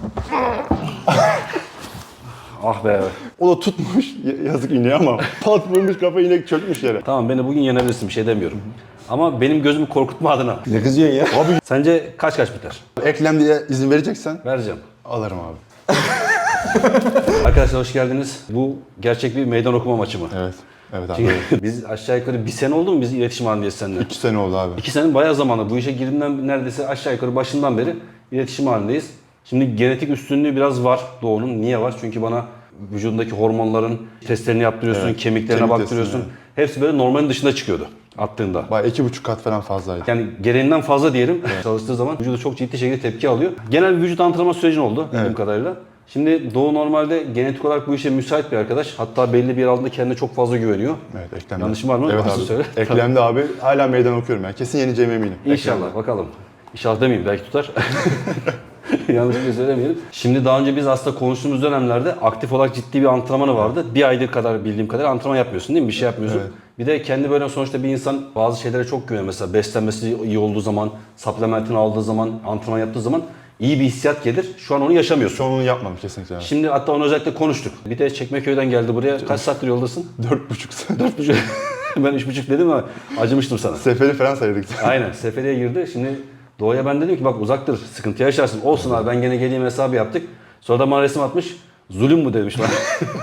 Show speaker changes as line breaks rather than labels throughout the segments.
Ah be.
O da tutmuş yazık ineği ama pat vurmuş kafa inek çökmüş yere.
Tamam beni bugün yenebilirsin bir şey demiyorum. Ama benim gözümü korkutma adına.
Ne kızıyorsun ya? Abi
Sence kaç biter?
eklem diye izin vereceksen
Vereceğim.
alırım abi.
Arkadaşlar hoş geldiniz. Bu gerçek bir meydan okuma maçı mı?
Evet. Evet abi.
Çünkü biz aşağı yukarı bir sene oldu mu biz iletişim halindeyiz seninle?
2 sene oldu abi.
2 sene bayağı zamanlı. Bu işe girdiğimden neredeyse aşağı yukarı başından beri iletişim halindeyiz. Şimdi genetik üstünlüğü biraz var Doğu'nun. Niye var? Çünkü bana vücudundaki hormonların testlerini yaptırıyorsun,
Evet,
kemiklerine
kemik
baktırıyorsun.
testini,
Hepsi böyle normalin dışında çıkıyordu attığında.
Bayağı 2,5 kat falan fazlaydı.
Yani gereğinden fazla diyelim. Çalıştığı zaman vücudu çok ciddi şekilde tepki alıyor. Genel bir vücut antrenman sürecin oldu bildiğim kadarıyla. Şimdi Doğu normalde genetik olarak bu işe müsait bir arkadaş. Hatta belli bir yer altında kendine çok fazla güveniyor.
Evet eklemde.
Yanlışım var mı?
Evet
Varsa
abi.
söyle.
Eklemde abi hala meydan okuyorum yani. Kesin yeneceğime eminim.
İnşallah
Eklemde.
bakalım. İnşallah demeyeyim belki tutar. Yanlış bir şey söylemeyelim. Şimdi daha önce biz aslında konuştuğumuz dönemlerde aktif olarak ciddi bir antrenmanı vardı. Bir aydır kadar bildiğim kadar antrenman yapmıyorsun değil mi? Bir şey yapmıyorsun.
Evet.
Bir de kendi böyle sonuçta bir insan bazı şeylere çok güveniyor. Mesela beslenmesi iyi olduğu zaman, supplementini aldığı zaman, antrenman yaptığı zaman iyi bir hissiyat gelir. Şu an onu yaşamıyorsun.
Şu an onu yapmadım kesinlikle. Yani.
Şimdi hatta onu özellikle konuştuk. Bir de Çekmeköy'den geldi buraya. Kaç saattir yoldasın?
4,5 sene.
4,5. Ben 3,5 dedim ama acımıştım sana.
Seferi falan saydık.
Aynen. Seferiye girdi. Şimdi Doğu'ya ben dedim ki bak uzaktır, sıkıntı yaşarsın. Olsun abi ben gene geleyim hesabı yaptık. Sonra da bana resim atmış. Zulüm bu demiş bana.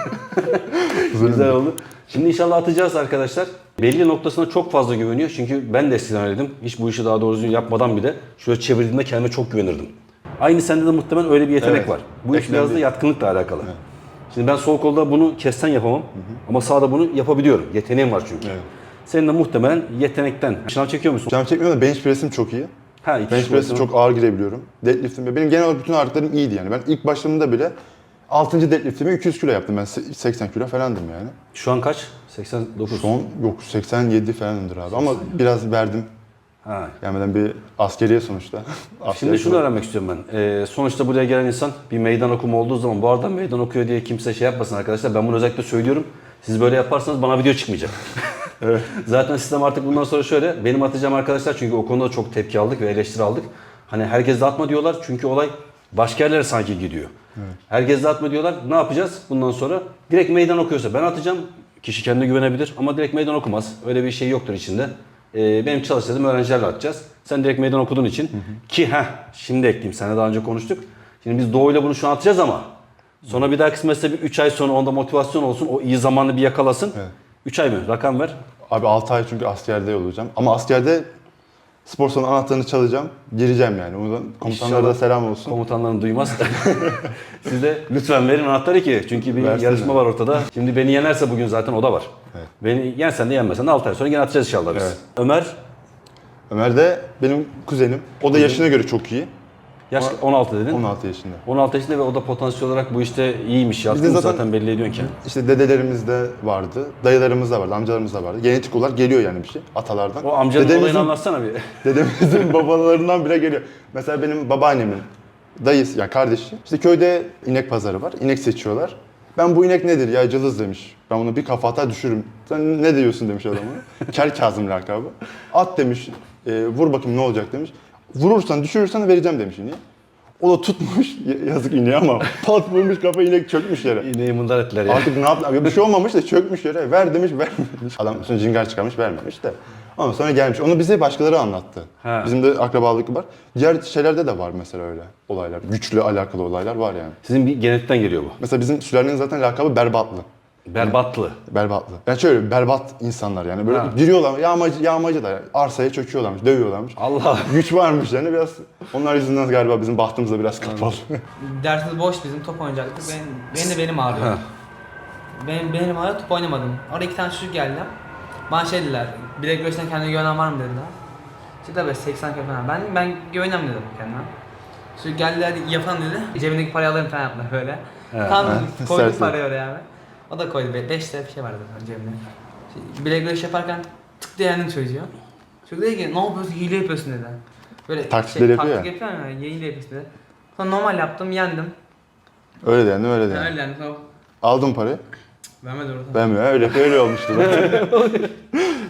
Güzel oldu. Şimdi inşallah atacağız arkadaşlar. Belli noktasına çok fazla güveniyor. Çünkü ben de eskiden öyleydim. Hiç bu işi daha doğru düzgün yapmadan bile şöyle çevirdiğimde kendime çok güvenirdim. Aynı sende de muhtemelen öyle bir yetenek
Evet.
var. Bu iş biraz da
Eklendi.
yatkınlıkla alakalı. Şimdi ben sol kolda bunu kessen yapamam. Ama sağda bunu yapabiliyorum. Yeteneğim var çünkü.
Evet.
Senin de muhtemelen yetenekten. Şınav çekiyor musun?
Canım çekmiyorum da bench press'im çok iyi.
Ha, iki
Bench
kişi
press'e
olsun.
çok ağır girebiliyorum. Deadlift'im, benim genel olarak bütün ağırlıklarım iyiydi yani. Ben ilk başladığımda bile 6. deadlift'imi 200 kilo yaptım. Ben 80 kilo falandım yani.
Şu an kaç? 89.
Son yok 87 falanımdır abi ama biraz verdim.
Ha.
Gelmeden bir askeriye sonuçta.
Şimdi
Askeriye
şunu öğrenmek istiyorum ben. Sonuçta buraya gelen insan bir meydan okuma olduğu zaman bu arada meydan okuyor diye kimse şey yapmasın arkadaşlar. Ben bunu özellikle söylüyorum. Siz böyle yaparsanız bana video çıkmayacak.
Evet.
Zaten sistem artık bundan sonra şöyle. Benim atacağım arkadaşlar çünkü o konuda çok tepki aldık ve eleştiri aldık. Hani herkes de atma diyorlar çünkü olay başka yerlere sanki gidiyor. Evet. Herkes de atma diyorlar. Ne yapacağız bundan sonra? Direkt meydan okuyorsa ben atacağım. Kişi kendine güvenebilir ama direkt meydan okumaz. Öyle bir şey yoktur içinde. Benim çalıştırdığım öğrencilerle atacağız. Sen direkt meydan okuduğun için ki şimdi ekleyeyim. Seninle daha önce konuştuk. Şimdi biz Doğu'yla bunu şu an atacağız ama sonra bir dahaki semestre bir 3 ay sonra onda motivasyon olsun. O iyi zamanını bir yakalasın.
Evet.
3 ay mı? Rakam ver.
Abi 6 ay çünkü askerde olacağım. Ama askerde spor salonu anahtarını çalacağım. Gireceğim yani. Oradan komutanlara da selam olsun.
Komutanların duymaz. Siz de lütfen verin anahtarı ki. Çünkü bir
Versinler.
yarışma var ortada. Şimdi beni yenerse bugün zaten o da var.
Evet.
Beni yensen de yenmesen de 6 ay sonra gene atacağız inşallah biz.
Evet.
Ömer,
de benim kuzenim. O da yaşına göre çok iyi.
yaş 16 dedin.
16 yaşında.
16 yaşında ve o da potansiyel olarak bu işte iyiymiş.
Biz de
Yatkın
zaten-
zaten belli ediyorsun ki.
İşte dedelerimiz de vardı, dayılarımız da vardı, amcalarımız da vardı. Genetik olarak geliyor yani bir şey atalardan.
O amcanın olayını anlatsana bir.
Dedemizin babalarından bile geliyor. Mesela benim babaannemin dayısı, yani kardeşi. İşte köyde inek pazarı var, inek seçiyorlar. Ben bu inek nedir ya cılız demiş. Ben onu bir kafa atar düşürürüm. Sen ne diyorsun demiş adama. Kel Kazım lakabı. At demiş, vur bakayım ne olacak demiş. Vurursan düşürürsen vereceğim demiş ineği. O da tutmuş yazık ineği ama pat vurmuş kafa inek çökmüş yere.
İneği mındar ettiler ya.
Artık ne yaptı? Bir şey olmamış da çökmüş yere. Ver demiş vermemiş. Adam sonra cingar çıkarmış vermemiş de. Ama sonra gelmiş. Onu bize başkaları anlattı.
Ha.
Bizim de akrabalık var. Diğer şeylerde de var mesela öyle olaylar. Güçlü alakalı olaylar var yani.
Sizin bir genetikten geliyor bu.
Mesela bizim sülalenin zaten lakabı Berbatlı.
Berbatlı.
Berbatlı. Yani şöyle berbat insanlar yani böyle
Ha.
giriyorlar yağmacı da yani. Arsaya çöküyorlarmış, dövüyorlarmış.
Allah.
Güç varmış yani biraz. Onlar yüzünden galiba bizim bahtımız da biraz kapalı.
Dersimiz boş bizim top oynayacaktık. Benim ağrıyor.
Ha.
Benim ağrıyor top oynamadım. Orada 2 tane çocuk geldi. Bana şey dediler. Bilek göğsüne kendine güvenen var mı dediler. İşte tabii 80 kilo falan. Ben güvenem dedim kendime. Çocuk geldi hadi yapalım dedi. Cebindeki parayı alırım falan yaptılar böyle.
Evet.
Tam
Evet.
koydu
Sersin.
parayı oraya abi. O da koydu. 5 lira bir şey vardı cebimde. Bilek göğüs yaparken tık diye yendim çocuğu. Çocuk dedi ki ne yapıyorsun hile yapıyorsun dedi. Böyle
Taklitleri yapıyor
taktik
ya.
yapıyor ya hile yapıyorsun dedi. Sonra normal yaptım yendim.
Öyle yani öyle yani.
Öyle yani sonra
Aldım parayı.
vermedi orada.
Ben mi? Öyle olmuştu.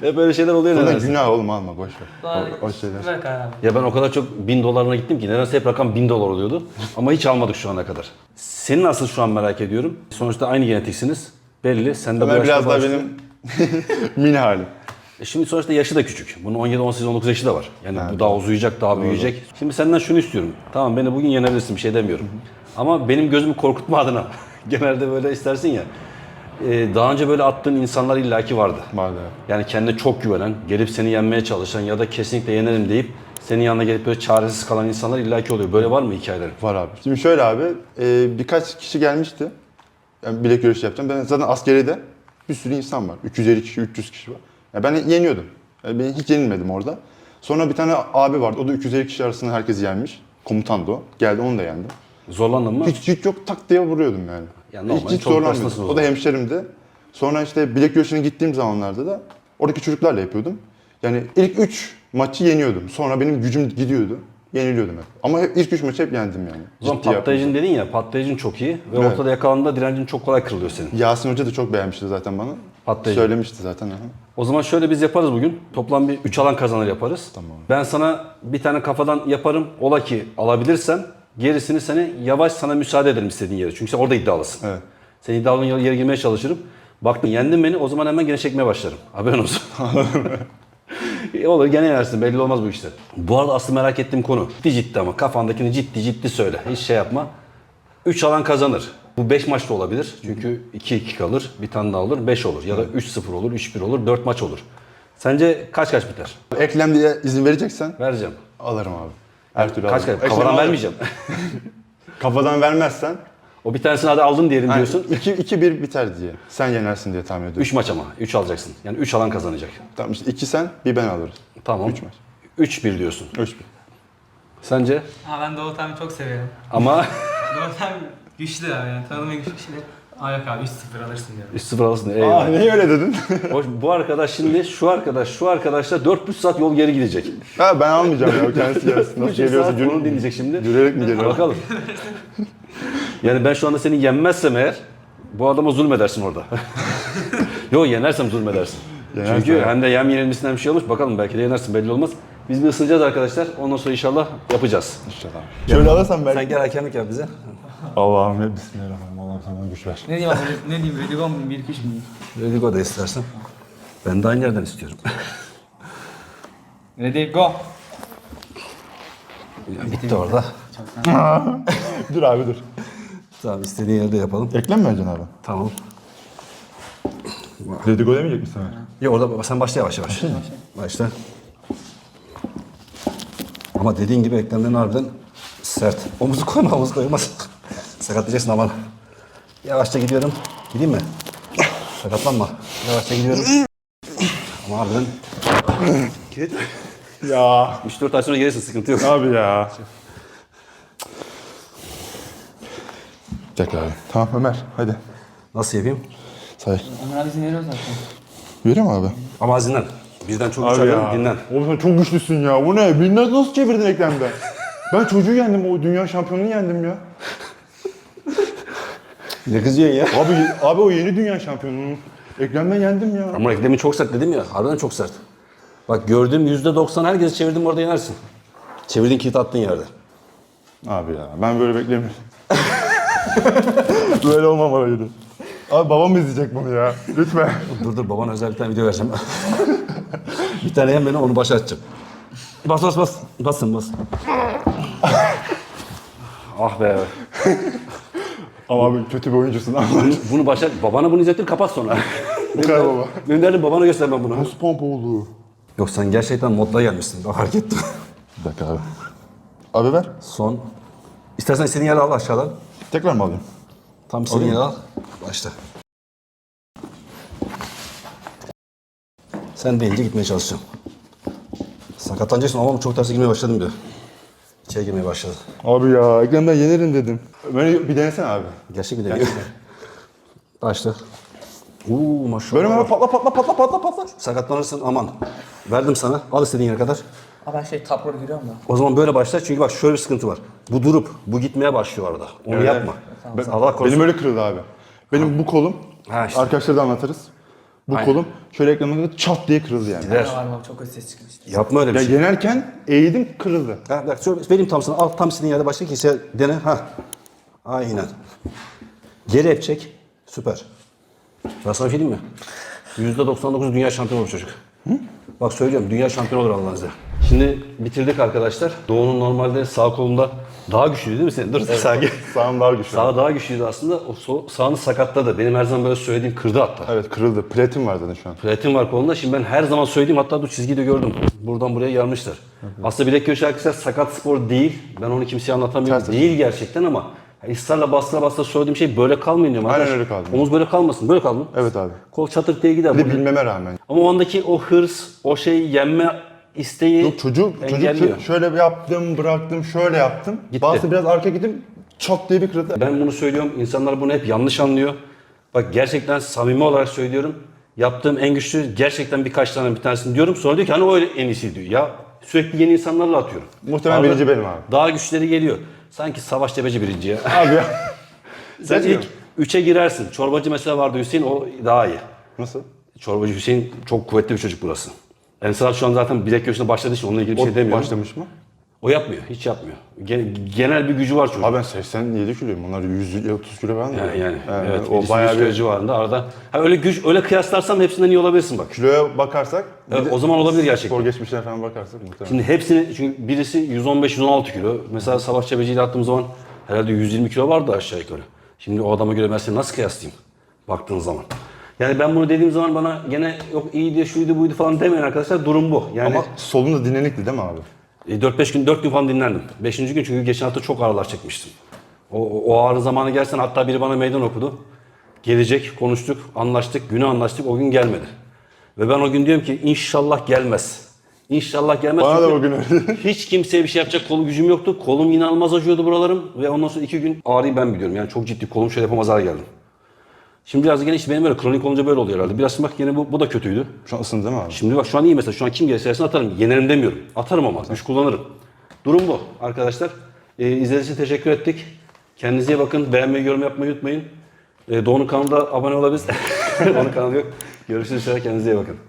Hep böyle şeyler oluyor
Sonra
nedense.
günah oğlum alma boş ver.
Sonra
O şeyler.
ver karar abi.
Ya ben o kadar çok 1000 dolarına gittim ki nedense hep rakam 1000 dolar oluyordu. Ama hiç almadık şu ana kadar. Senin asıl şu an merak ediyorum. Sonuçta aynı genetiksiniz. Belli. Sen de bu
Ömer
yaşta
biraz daha
başladın.
benim mini halim.
Şimdi sonuçta yaşı da küçük. Bunun 17, 18, 19 yaşı da var. Yani bu daha uzayacak, daha büyüyecek. Şimdi senden şunu istiyorum. Tamam beni bugün yenebilirsin bir şey demiyorum. Ama benim gözümü korkutma adına. Genelde böyle istersin ya. Daha önce böyle attığın insanlar illaki vardı.
Vardı.
Yani kendine çok güvenen, gelip seni yenmeye çalışan ya da kesinlikle yenerim deyip senin yanına gelip böyle çaresiz kalan insanlar illaki oluyor. Böyle var mı hikayelerin?
Var abi. Şimdi şöyle abi, birkaç kişi gelmişti. Yani bilek güreşi yapacağım. Ben zaten askeriyede bir sürü insan var. 250 kişi, 300 kişi var. Yani ben yeniyordum. Yani ben hiç yenilmedim orada. Sonra bir tane abi vardı. O da 250 kişi arasında herkesi yenmiş. Komutandı o. Geldi onu da yendi.
Zorlandın mı?
Hiç yok tak diye vuruyordum yani.
Ya normal,
hiç
çok
zorlanmıyordum.
başlasın o
O da
zaman.
hemşerimdi. Sonra işte bilek güreşine gittiğim zamanlarda da oradaki çocuklarla yapıyordum. Yani ilk 3 maçı yeniyordum. Sonra benim gücüm gidiyordu. Yeniliyordum hep. Ama hep ilk 3 maçı hep yendim yani.
O zaman
Ciddi
patlayıcın dedin ya, patlayıcın çok iyi ve
Evet.
ortada yakalandığında direncin çok kolay kırılıyor senin.
Yasin Hoca da çok beğenmişti zaten bana.
Patlayıcı.
Söylemişti zaten. Aha.
O zaman şöyle biz yaparız bugün. Toplam bir 3 alan kazanır yaparız.
Tamam.
Ben sana bir tane kafadan yaparım. Ola ki alabilirsen gerisini seni yavaş sana müsaade ederim istediğin yere. Çünkü sen orada iddialısın.
Evet.
Sen iddialının yere girmeye çalışırım. Baktın yendin beni o zaman hemen gene çekmeye başlarım. Haberin olsun. Olur gene yenersin belli olmaz bu işler. Bu arada aslı merak ettiğim konu. Ciddi ama kafandakini ciddi söyle. Hiç şey yapma. 3 alan kazanır. Bu 5 maç da olabilir. Çünkü 2-2 kalır. Bir tane daha olur. 5 olur. Ya da 3-0 olur. 3-1 olur. 4 maç olur. Sence kaç biter?
Eklem diye izin vereceksen
Vereceğim.
alırım abi. Her türlü
Kaç
alırım.
kafadan
Eklem alırım.
vermeyeceğim.
Kafadan vermezsen
O bir tanesini hadi aldın diyelim diyorsun.
2-1 biter diye. Sen yenersin diye tahmin ediyorum.
3 maç ama. 3 alacaksın. Yani 3 alan kazanacak.
Tamam işte 2 sen, bir ben alırız.
Tamam.
3 maç.
3-1 diyorsun.
3-1.
Sence?
Ha ben Doğu Tam'ı çok seviyorum.
Ama
Doğu Tam güçlü abi yani tanıma güçlü kişiler. Aa yok abi 3-0 alırsın diyorum.
3-0 alırsın. Eyvallah.
Niye öyle dedin?
Bu arkadaş şimdi şu arkadaşla 400 saat yol geri gidecek.
Ha ben almayacağım ya. Kendisi gelsin. Nasıl
3
geliyorsa
saat bunu dinleyecek şimdi.
yürüyerek mi geliyor?
Bakalım. Yani ben şu anda seni yenmezsem eğer bu adama zulmedersin orada. Yok yenersem zulmedersin.
Yenersen
Çünkü
evet.
hem de yem yenilmesinden bir şey olmuş. Bakalım belki de yenersin belli olmaz. Biz bir ısınacağız arkadaşlar. Ondan sonra inşallah yapacağız.
İnşallah. Şöyle alırsam belki.
Sen gel hakemlik yap bize.
Allah'ım bismillahirrahmanirrahim. Allah'ım sana güç ver.
Ne diyeyim abi? Ne diyeyim? Redigon mu? 1-2-3 mü?
Redigo da istersen. Ben de aynı yerden istiyorum.
Ready go.
Bitti orada.
Dur abi dur.
Tamam istediğin yerde yapalım.
Eklem mi vereceksin abi?
Tamam.
Dedigo demeyecek misin Ömer?
Ya orada sen başla yavaş yavaş. Başla. Ama dediğin gibi eklemlerin harbiden sert. Omuzu koyma, omuz koymaz. Sakatlayacaksın aman. Yavaşça gidiyorum. Gideyim mi? Sakatlanma. Yavaşça gidiyorum. Ama harbiden
Ya
3-4 ay sonra gelirsin, sıkıntı yok.
abi ya. Tekrar abi. Tamam Ömer hadi.
Nasıl yapayım?
Say.
Ömer abi izin veriyor zaten.
Veriyor mu abi?
Ama az dinlen. Birden çok güç
Abi
alıyorum,
ya.
dinlen.
Oğlum sen çok güçlüsün ya. Bu ne? Beni nasıl çevirdin eklemden? Ben çocuğu yendim. O dünya şampiyonunu yendim ya.
Ne kızıyorsun ya?
Abi o yeni dünya şampiyonunu. Eklemden yendim ya.
Ama eklemin çok sert dedim ya. Harbiden çok sert. Bak gördüğüm %90 herkesi çevirdim orada yenersin. Çevirdiğin kilit attığın yerde.
Abi ya ben böyle beklemiyorum. Böyle olmamalıydı. Abi babam izleyecek bunu ya. Lütfen.
Dur babana özel bir tane video vereceğim. Bir tane yem beni onu başa atacağım. Bas. Basın. Ah be.
Ama abi kötü bir oyuncusun.
Bunu başa... Babana bunu izlettir kapat sonra.
Bu kadar baba.
Benim derdim babana göstermem bunu.
Nasıl pompa oldu?
Yok sen gerçekten modla gelmişsin. Bak fark ettim.
Bir dakika abi. Abi ver.
Son. İstersen istediğin yere al aşağıdan.
Tekrar mı alayım?
Tam istediğin yere al. Başla. Sen deyince gitmeye çalışacağım. Sakatlanacaksın ama çok terse girmeye başladım diyor. İçeri girmeye başladı.
Abi ya eklemden yenerim dedim. Ömer'i bir denesene abi.
Gerçek bir deniyor. Başla. Maşallah.
Böyle patla.
Sakatlanırsın aman. Verdim sana. Al istediğin yere kadar.
Abi ben top roll giriyorum da.
O zaman böyle başla çünkü bak şöyle bir sıkıntı var. Bu durup bu gitmeye başlıyor arada. Onu
Evet.
yapma. Allah korusun.
Benim öyle kırıldı abi. Benim bu kolum,
Ha işte.
arkadaşlara da anlatırız. Bu
Aynen.
kolum şöyle ekranımda çat diye kırıldı yani.
Gider.
Var bak çok kötü ses çıkmıştı.
Yapma öyle bir
Ya
şey.
yenerken eğildim kırıldı.
Ha, bak şöyle vereyim tam sana. Al tam istediğin yerde başka kimse dene. Ha. Aynen. Geri hep çek. Süper. Ben sana bir şey diyeyim mi? %99 dünya şampiyonu olur çocuk. Bak söylüyorum dünya şampiyonu olur Allah'ın izniyle. Şimdi bitirdik arkadaşlar. Doğu'nun normalde sağ kolunda daha güçlüydü değil mi senin? Dur sakin.
Sağım var güçlü.
Sağ daha güçlüydü aslında. O sağını sakatladı. Benim her zaman böyle söylediğim kırdı hatta.
Evet kırıldı. Platin var zaten şu an.
Platin var kolunda. Şimdi ben her zaman söylediğim hatta bu çizgiyi de gördüm. Buradan buraya yarmışlar. Aslında bilek göğüs arkadaşlar sakat spor değil. Ben onu kimseye anlatamıyorum.
Ters.
Değil gerçekten ama ısrarla bastıra söylediğim şey böyle kalmayın diyorum.
Aynen
arkadaş.
öyle kaldı.
Omuz böyle kalmasın. Böyle kaldı mı?
Evet abi.
Kol çatık diye gider.
Bir de bilmeme rağmen.
Ama o andaki o hırs, o şey yenme isteği
Yok çocuk
engelliyor.
şöyle bir yaptım, bıraktım, şöyle yaptım.
Gitti.
Bastı biraz arka gittim, çat diye bir kırıldı.
Ben bunu söylüyorum. İnsanlar bunu hep yanlış anlıyor. Bak gerçekten samimi olarak söylüyorum. Yaptığım en güçlü gerçekten birkaç tane bir tanesini diyorum. Sonra diyor ki hani o en iyisi diyor. Ya sürekli yeni insanlarla atıyorum.
Muhtemelen
Abi,
birinci benim abi.
Daha güçleri geliyor. Sanki Savaş Tepeci birinci ya.
Abi ya.
Sen
Bilmiyorum.
ilk 3'e girersin. Çorbacı mesela vardı Hüseyin o daha iyi.
Nasıl?
Çorbacı Hüseyin çok kuvvetli bir çocuk burası. Ensar şu an zaten bilek göğsüne başladığı için onunla ilgili bir
O
şey demiyorum.
başlamış mı?
O yapmıyor. Hiç yapmıyor. Genel bir gücü var çocuğun.
Abi ben 87 kiloyum. Onlar 130 kilo falan.
Yani evet.
O bayağı bir
civarında arada. Ha, öyle güç öyle kıyaslarsam hepsinden iyi olabilirsin bak.
kiloya bakarsak. bir
Evet,
de
o zaman olabilir gerçekten.
Spor geçmişine falan bakarsak muhtemelen.
Şimdi hepsini çünkü birisi 115-116 kilo. Mesela Savaş Çebeci ile attığım zaman herhalde 120 kilo vardı aşağı yukarı. Şimdi o adama göre ben seni nasıl kıyaslayayım baktığın zaman. Yani ben bunu dediğim zaman bana gene yok iyiydi, şuydu, buydu falan demeyin arkadaşlar. Durum bu. Yani
Ama solun da dinlenikti değil mi abi?
4 gün falan dinlendim. 5. gün çünkü geçen hafta çok ağrılar çekmiştim. O ağrı zamanı gelsen hatta biri bana meydan okudu. Gelecek, konuştuk, anlaştık, günü anlaştık, o gün gelmedi. Ve ben o gün diyorum ki inşallah gelmez. İnşallah gelmez.
Bana da
Çünkü
o gün öyle.
hiç kimseye bir şey yapacak kolu gücüm yoktu. Kolum inanılmaz acıyordu buralarım. Ve ondan sonra 2 gün ağrıyı ben biliyorum. Yani çok ciddi kolum şöyle yapamaz hale geldim. Şimdi biraz gene işte benim böyle kronik olunca böyle oluyor herhalde. Biraz bak yine bu da kötüydü.
Şu an ısındı değil mi abi?
Şimdi bak şu an iyi mesela. Şu an kim gelirse gelsin atarım. Yenerim demiyorum. Atarım ama. Güç kullanırım. Durum bu arkadaşlar. İzlediğiniz için teşekkür ettik. Kendinize iyi bakın. Beğenmeyi, yorum yapmayı unutmayın. Doğu'nun kanalına abone olabilirsiniz. Onun kanalı yok. Görüşürüz. Kendinize iyi bakın.